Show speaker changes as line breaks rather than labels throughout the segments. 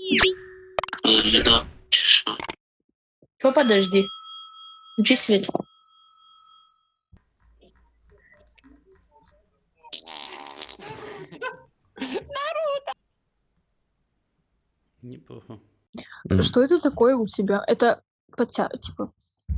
Чё, подожди. Включи свет.
Неплохо.
Что это такое у тебя? Это типа.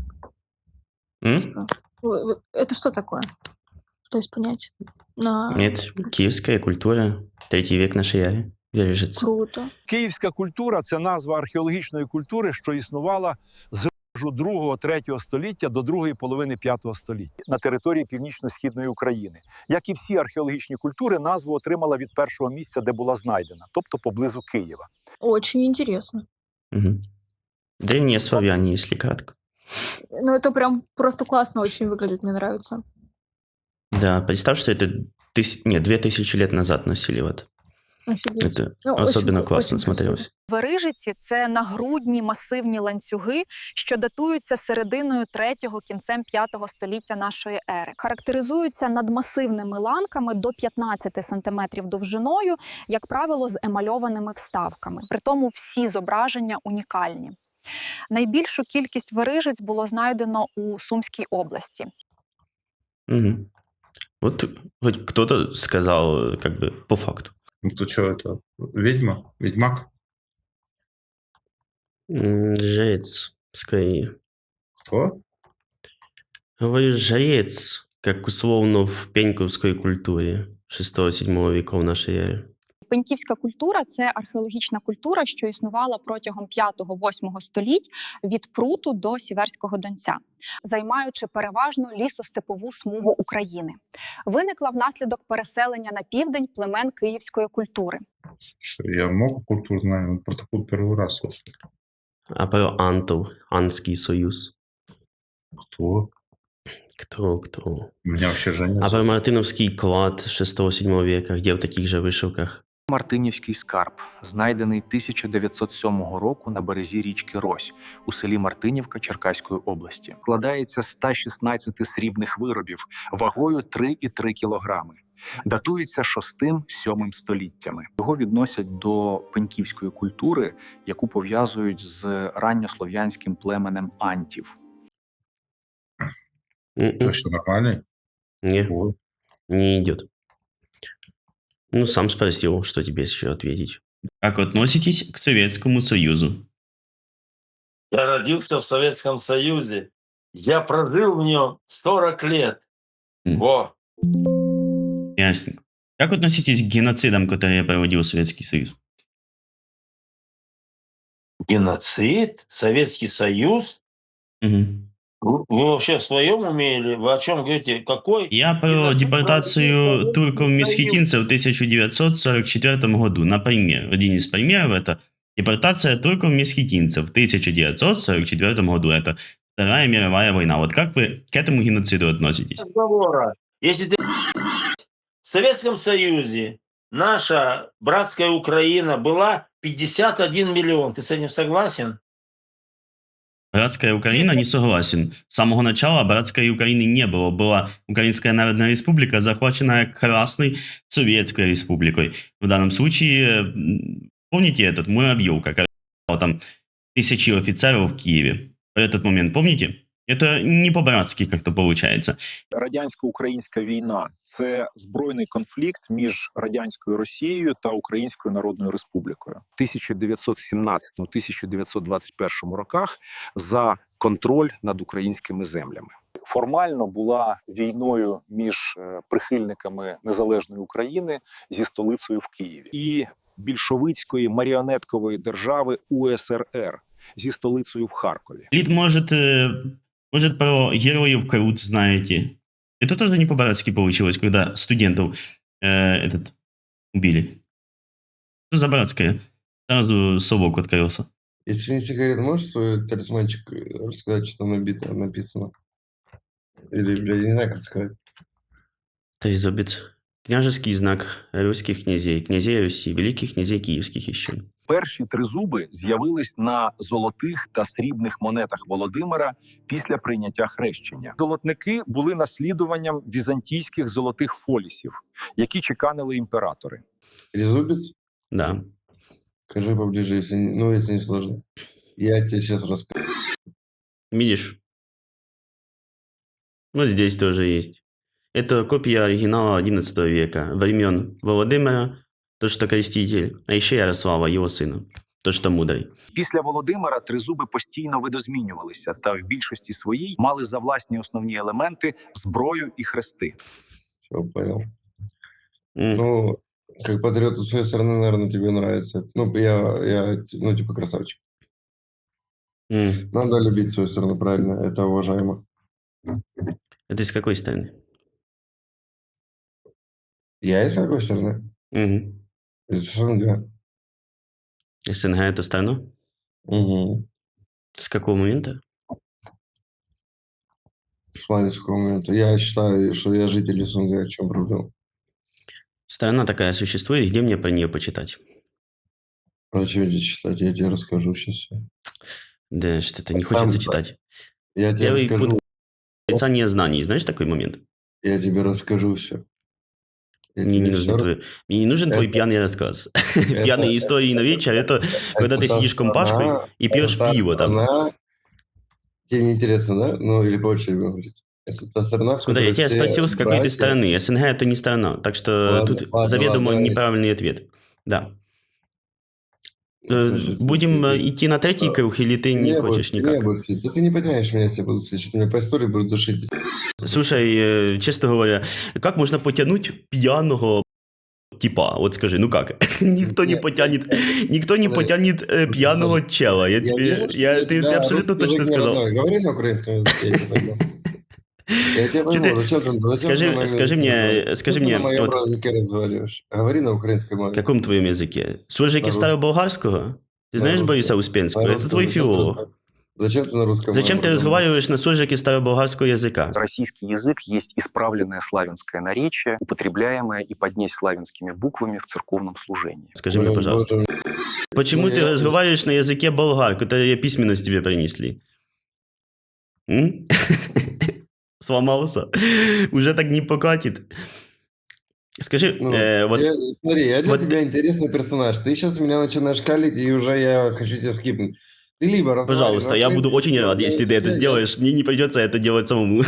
Это что такое? Пытаюсь понять.
Это киевская культура, 3 век нашої ери. Виріжеться.
Круто.
Київська культура – це назва археологічної культури, що існувала з 2-3 століття до другої половини 5 століття на території північно-східної України. Як і всі археологічні культури, назву отримала від першого місця, де була знайдена, тобто поблизу Києва.
Очень интересно.
Угу. Древние славяне, если кратко.
Ну, это прям просто классно очень выглядит, мне нравится.
Да, представь, что это 2000 лет назад носили вот.
Офігеть.
Это особенно
очень,
класно
очень
смотрелось.
Верижиці – це нагрудні масивні ланцюги, що датуються серединою 3-го, кінцем 5-го століття нашої ери. Характеризуються надмасивними ланками до 15 см довжиною, як правило, з емальованими вставками. Притому всі зображення унікальні. Найбільшу кількість верижиць було знайдено у Сумській області.
Угу. Вот хоть кто-то сказал, как бы, по факту.
Ну, то что это? Ведьма? Ведьмак?
Жрец, скорее.
Кто?
Говорю, жрец, как условно в пеньковской культуре 6-7 веков нашей эры.
Пеньківська культура – це археологічна культура, що існувала протягом 5-8 століть від Пруту до Сіверського Донця, займаючи переважно лісостепову смугу України. Виникла внаслідок переселення на південь племен київської культури.
Слушай, я много культур знаю, но про такую первый раз слушаю.
А про антов, Анский союз.
Кто?
Кто?
У меня вообще Женя.
А про Мартиновский клад 6-7 века, где в таких же вишивках.
Мартинівський скарб, знайдений 1907 року на березі річки Рось у селі Мартинівка Черкаської області. Складається з 116 срібних виробів вагою 3,3 кілограми. Датується 6-7 століттями. Його відносять до пеньківської культури, яку пов'язують з ранньослов'янським племенем антів.
Это что, нормальный?
Не,
Вот.
не идет. Ну, сам спросил, что тебе еще ответить. Как относитесь к Советскому Союзу?
Я родился в Советском Союзе. Я прожил в нем 40 лет. Во!
Ясненько. Как относитесь к геноцидам, которые проводил Советский Союз?
Геноцид? Советский Союз?
Угу.
Вы вообще в своем уме или вы о чем говорите? Какой?
Я про
Геноцид
депортацию
проводил
турков-месхетинцев в 1944 году. Например, один из примеров – это депортация турков-месхетинцев в 1944 году. Это Вторая мировая война. Вот как вы к этому геноциду относитесь?
Разговора. Если ты в Советском Союзе наша братская Украина была 51 миллион, ты с этим согласен?
Братская Украина, не согласен. С самого начала братской Украины не было. Была Украинская Народная Республика, захваченная Красной Советской Республикой. В данном случае, помните этот Муравьев, как там 1000 офицеров в Киеве? В этот момент, помните? Это не по-братски как-то получается.
Радянсько-українська війна – це збройний конфлікт між радянською Росією та Українською Народною Республікою. В 1917-1921 роках за контроль над українськими землями. Формально була війною між прихильниками незалежної України зі столицею в Києві і більшовицької маріонеткової держави УСРР зі столицею в Харкові.
Лид, может, про героев Крут знаете? Это тоже не по-братски получилось, когда студентов убили. Что за братское? Сразу совок открылся.
Если не секрет, можешь свой талисманчик рассказать, что там написано? Или, блядь, не знаю, как сказать.
Трезубец. Княжеский знак русских князей, князей Руси, великих князей киевских еще.
Перші тризуби з'явились на золотих та срібних монетах Володимира після прийняття хрещення. Золотники були наслідуванням візантійських золотих фолісів, які чеканили імператори.
Трезубец?
Да.
Скажи поближе, если не сложно. Я тебе сейчас расскажу.
Видишь? Вот здесь тоже есть. Это копия оригинала XI века, времен Володимира, тот, что креститель, а еще Ярослава, его сына, тот, что мудрый.
Після Володимира тризуби постійно видозмінювалися та в більшості своїй мали за власні основні елементи зброю і хрести.
Все, понял.
М.
Ну, как патриоту своей страны, наверное, тебе нравится. Ну, я типа красавчик.
М.
Надо любить свою страну, правильно, это уважаемо.
Это из какой страны?
Я из какой страны?
Мгм.
Из СНГ.
СНГ это страна?
Угу.
С какого момента?
В плане с какого момента? Я считаю, что я житель СНГ, в чем проблема?
Страна такая существует, где мне про нее почитать?
А зачем тебе читать? Я тебе расскажу сейчас все.
Да, что-то не хочется
Там-
читать.
Я тебе
Первый
расскажу.
пункт отрицание знаний. Знаешь такой момент?
Я тебе расскажу все.
Мне не нужен мне не нужен твой
Это-
пьяный рассказ. Пьяные истории на вечер – это когда ты сидишь компашкой и пьешь пиво там.
Тебе не интересно, да? Ну, или по очереди говорить. Это та страна, в
Смотри, я
которой
тебя
все
спросил, с какой ты
братья.
страны. СНГ – это не страна. Так что
Ладно,
тут
ладно,
заведомо
ладно.
неправильный ответ. Да.
Слушай,
Будем
ты-
идти на третий круг, или ты не хочешь
Не
никак?
буду слить. Да ты не потянешь меня, если я буду слышать. Меня по истории будут душить.
Слушай, честно говоря, как можно потянуть пьяного типа? Вот скажи, ну как? Никто не
Нет,
потянет, никто не
смотри,
потянет пьяного чела. Я тебе,
вижу, что
ты
тебя
абсолютно
русский
точно
язык не
сказал.
родной. Говори на украинском языке, я тебя пойму. Я тебя
Чё ты-
пойму, зачем ты на моем
скажи
языке
мне,
разговариваешь?
скажи
Что ты
мне,
на моем
вот-
языке разговариваешь? Говори на украинской мове.
В каком твоем языке? Суржики
На
староболгарского? Ты
На
знаешь
русском.
Бориса
На
Успенского? Это
русском.
твой
Зачем ты
филолог.
Зачем ты на русском
Зачем
мове
ты разговариваешь на суржике староболгарского языка?
Российский язык есть исправленное славянское наречие, употребляемое и поднеславянскими буквами в церковном служении.
Скажи мне, пожалуйста.
Боже,
Почему
Ну,
ты
я-
разговариваешь на языке болгар, который письменность тебе принесли? М? Сломался? Уже так не покатит. Скажи,
ну,
вот
смотри, я для
вот
тебя интересный персонаж. Ты сейчас меня начинаешь калить, и уже я хочу тебя скипнуть. Ты либо разговаривай
пожалуйста,
на
я буду
украинском,
очень рад,
либо
если ты это
я-
сделаешь. Мне не придется это делать самому.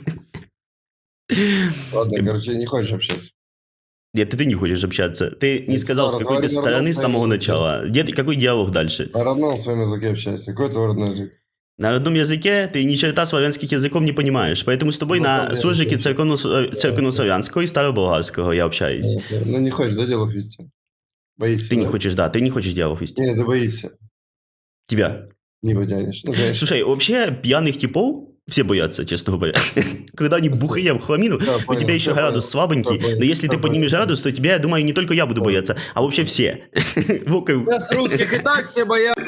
Ладно, короче, не хочешь общаться.
Нет, ты не хочешь общаться. Ты не
Я
сказал, с
сказал,
какой ты
разговаривай на
стороны с
родном
самого
своем
начала. Какой диалог дальше?
На родном своем языке общайся. Какой твой родной язык?
На родном языке ты ни черта славянских языков не понимаешь, поэтому с тобой
Ну,
на
проблема
суржике
в том,
церковно-славянского и староболгарского я общаюсь.
Ну, не хочешь, да, диалог вести? Боишься,
Ты не
да?
хочешь, да, ты не хочешь диалог вести.
Нет, ты боишься.
Тебя.
Не потянешь. Ну, конечно.
Слушай, вообще пьяных типов все боятся, честно говоря. Когда они бухие в хламину,
Да,
у
понял,
тебя еще
всё
градус
понял,
слабенький,
всё понял,
но если ты
всё
поднимешь
понял.
градус, то тебя, я думаю, не только я буду бояться, а вообще все. Вокруг.
Нас русских и так все боятся.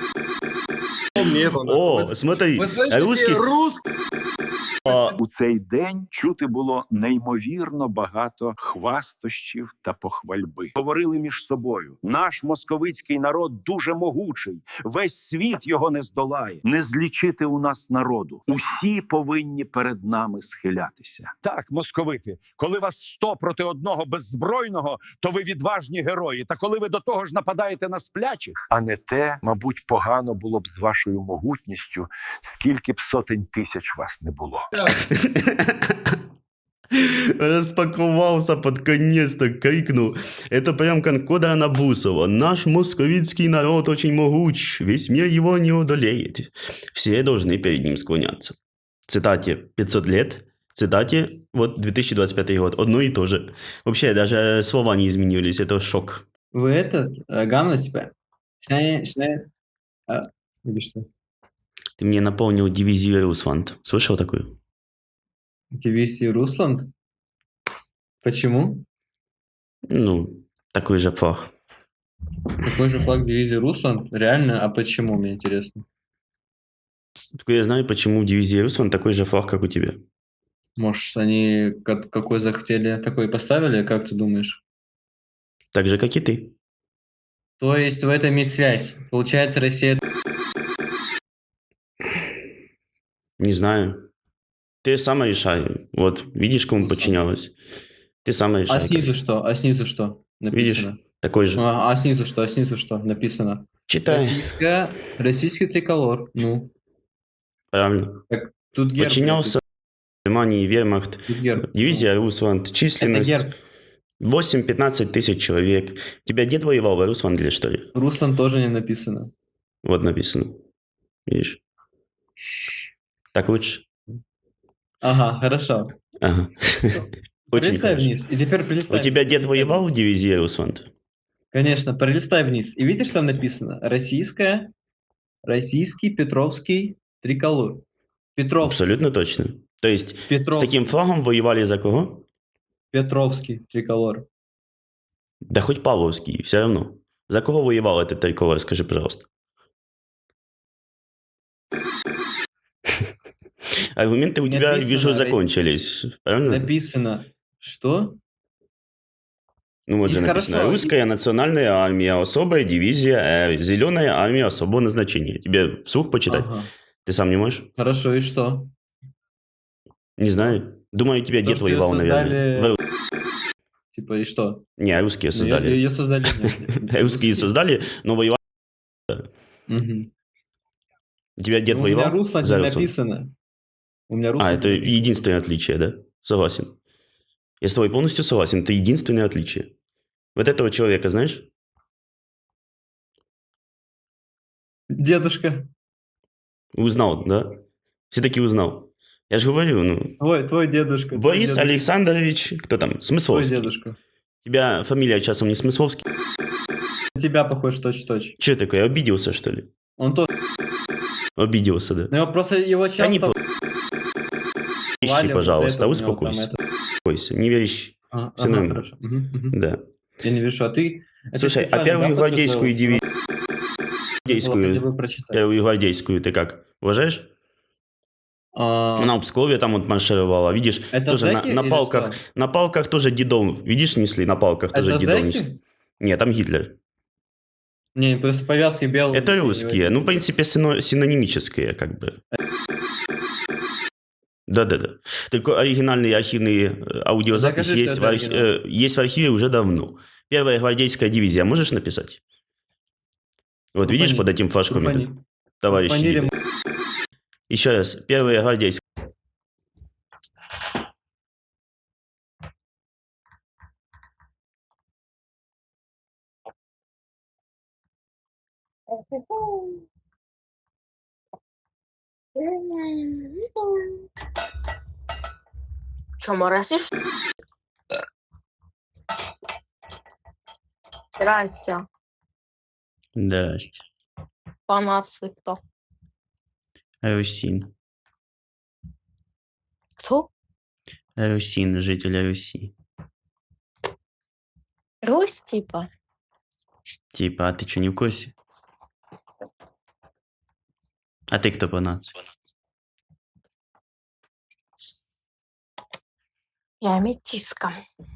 О, смотри,
Вы слышите,
русских...
русских?
У цей день чути було неймовірно багато хвастощів та похвальби. Говорили між собою: наш московицький народ дуже могучий, весь світ його не здолає. Не злічити у нас народу. Усі повинні перед нами схилятися.
Так, московити, коли вас 100 проти одного беззбройного, то ви відважні герої. Та коли ви до того ж нападаєте на сплячих,
А не те, мабуть, погано було б з вашою могутністю, скільки б сотень тисяч вас не було.
Распаковался под конец-то, крикнул. Это прям как Кода Набусова. Наш московицкий народ очень могуч, весь мир его не одолеет. Все должны перед ним склоняться. Цитате 500 лет, цитате вот 2025 год. Одно и то же. Вообще даже слова не изменились, это шок.
Вы этот, гамма типа? Или что?
Ты мне напомнил дивизию Русланд. Слышал такую?
Дивизию Русланд? Почему?
Ну, такой же флаг.
Такой же флаг дивизии Русланд? Реально? А почему, мне интересно?
Только я знаю, почему в дивизии Русланд такой же флаг, как у тебя.
Может, они какой захотели, такой поставили, как ты думаешь?
Так же, как и ты.
То есть в этом есть связь. Получается, Россия...
Не знаю. Ты сама решай. Вот, видишь, кому
Ну,
подчинялась? Ты сама
А
решай.
снизу что? А снизу что
Видишь,
написано?
такой же.
А снизу что? А снизу что написано?
Читай.
Российский триколор. Ну,
Правильно.
так тут герб.
Подчинялся Германии, вермахт,
Тут герб.
дивизия Русванд,
Это
численность
герб.
8-15 тысяч человек. У тебя дед воевал в Русванделе, что ли?
Руслан тоже не написано.
Вот написано. Видишь? Так лучше?
Ага, хорошо.
Ага. Очень
Пролистай
хорошо.
вниз. И теперь
У
пролистай.
тебя дед
пролистай
воевал в
вниз.
дивизии Русванд?
Конечно, пролистай вниз. И видишь, там написано российский Петровский триколор. Петровский.
Абсолютно точно. То есть с
Петровский.
таким флагом воевали за кого?
Петровский триколор.
Да хоть Павловский, все равно. За кого воевал этот триколор, скажи, пожалуйста. Аргументы у тебя,
Написано,
вижу, закончились. Правильно?
Написано, что?
Ну вот
И
же написано.
хорошо, и-
Русская национальная армия, особая дивизия Р, зеленая армия особого назначения. Тебе вслух почитать?
Ага.
Ты сам не можешь?
Хорошо, и что?
Не знаю. Думаю, тебя
То,
дед
что её
воевал,
создали-
наверное.
Типа, и что?
Не, русские
Ну,
создали.
Ее создали. нет.
Русские создали, но воевали.
Мгм.
У тебя дед
Ну, у меня
воевал?
Руслан
за
не
Руслан?
написано. У меня Руслан
А,
не
это
написано.
единственное отличие, да? Согласен. Я с тобой полностью согласен. Это единственное отличие. Вот этого человека, знаешь?
Дедушка.
Узнал, да? Все-таки узнал. Я же говорю, ну...
Твой дедушка. твой
Борис
дедушка,
Александрович, кто там?
Твой
Смысловский.
дедушка.
У тебя фамилия часом не Смысловский?
На тебя похож точь-в-точь.
Че такое, обиделся, что ли?
Он тоже.
Обиделся, да?
Но его просто его
Да не
часто...
ищи,
хвалят,
пожалуйста,
из-за этого у него
успокойся.
там это-
Успокойся, не веришь.
А,
Всё
ага,
нормально.
хорошо. Мгм.
Да.
Я не вижу, а ты... это
Слушай, а
специально,
первую
да,
гвардейскую
подготовился?
дивизию...
Надо было хотя бы прочитать.
Первую гвардейскую ты как? Уважаешь?
А,
Она в Пскове там вот маршировала, видишь?
Это
тоже
зэки
на
или
палках.
что?
На палках тоже дедом. Видишь, несли на палках тоже
Это
дедом
зэки?
несли. Нет, там Гитлер.
Не, просто повязки белые.
Это русские. Ну, в принципе, синонимические, как бы. Да-да-да. Только оригинальные архивные аудиозаписи
Докажи,
есть,
что это оригинал.
есть в архиве уже давно. Первая гвардейская дивизия. Можешь написать? Вот видишь
Труфани.
под этим флажком?
Труфани.
это? Товарищи.
Труфанили
виды. Еще раз. Первая гвардейская.
Че, моросишь? Здрасте.
Здрасте.
По нации кто?
Русин.
Кто?
Русин, житель Руси.
Русь, типа?
Типа, а ты что, не в курсе? А ты кто по нации?
Я метиска.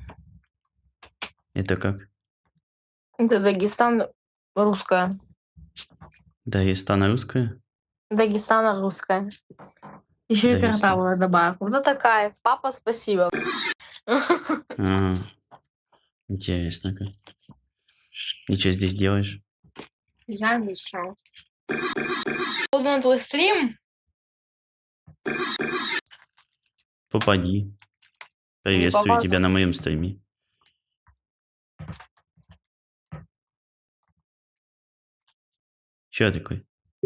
Это как?
Это Дагестан русская.
Дагестан русская?
Дагестан русская. Еще и
Дагестан.
картавую добавку. Ну такая. Папа, спасибо.
Ага. Интересно как. И что здесь делаешь?
Я ничего. Буду на твой стрим.
Попади. Приветствую
попасть.
тебя на моем стриме. Че такой?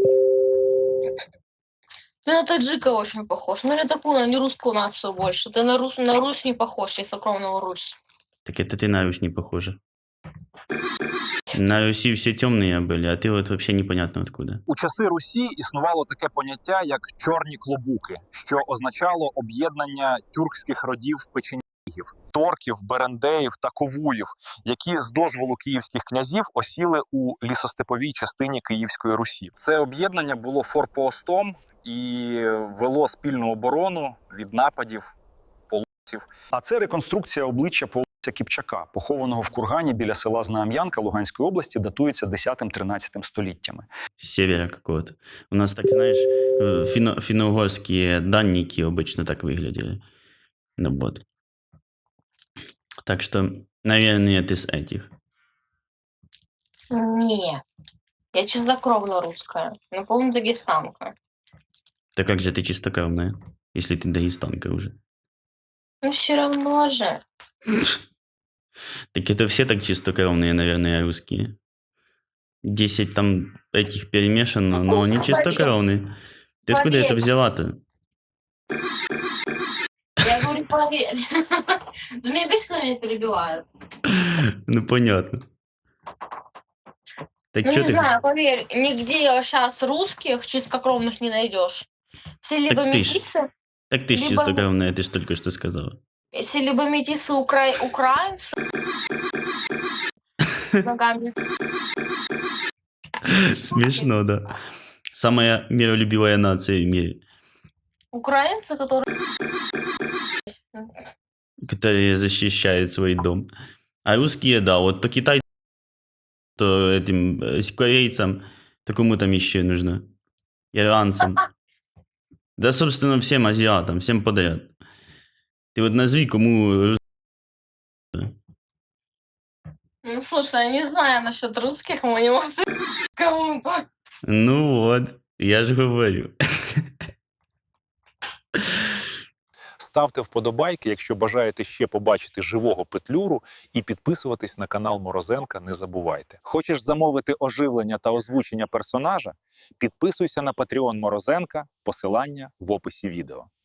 Ты на таджика очень похож. Ну, или такую, на не русскую нацию больше. Ты на Русь не похож, чистокровную Русь.
Так это ты на Русь не похожа. На Руси все темные были, а ты вот вообще непонятно откуда.
У часи Русі існувало таке поняття, як чорні клобуки, що означало об'єднання тюркських родів печенігів, торків, берендеїв та ковуїв, які з дозволу київських князів осіли у лісостеповій частині Київської Русі. Це об'єднання було форпостом і вело спільну оборону від нападів половців.
А це реконструкція обличчя половця Кіпчака, похованого в кургані біля села Знаам'янка Луганської області, датується 10-13 століттями.
С севера какого-то. У нас так, знаешь, финно-угорские данники обычно так выглядели. Ну вот. Так что, наверное, ты с этих.
Не. Я чистокровно русская. Наполовину дагестанка.
Да как же ты чистокровная, если ты дагестанка уже?
Ну, все равно же.
Так это все так чистокровные, наверное, русские. 10 там этих перемешано,
Ну,
но они
слушай,
чистокровные. Ты откуда это
поверь.
взяла-то?
Я говорю, поверь. Ну, меня бесит, меня перебивают.
Ну, понятно. Так
Ну,
что
не
ты...
знаю, поверь, нигде сейчас русских чистокровных не найдешь. Все либо
Так ты ж,
метисы,
так ты ж
либо,
чистокровная, ты ж только что сказала.
все либо метисы украинцы ногами.
Смешно, да. Самая миролюбивая нация в мире,
Украинцы, которые...
которая защищает свой дом. А русские, да, вот то китайцам, то этим корейцам, то кому там еще нужно? Иранцам. Да, собственно, всем азиатам, всем подряд. Ты вот назови, кому...
Ну, слушай, я не знаю насчет русских, мы не можем кому-то.
Ну вот, я же говорю.
Ставте вподобайки, якщо бажаєте ще побачити живого Петлюру, і підписуватись на канал Морозенка не забувайте. Хочеш замовити оживлення та озвучення персонажа? Підписуйся на Patreon Морозенка, посилання в описі відео.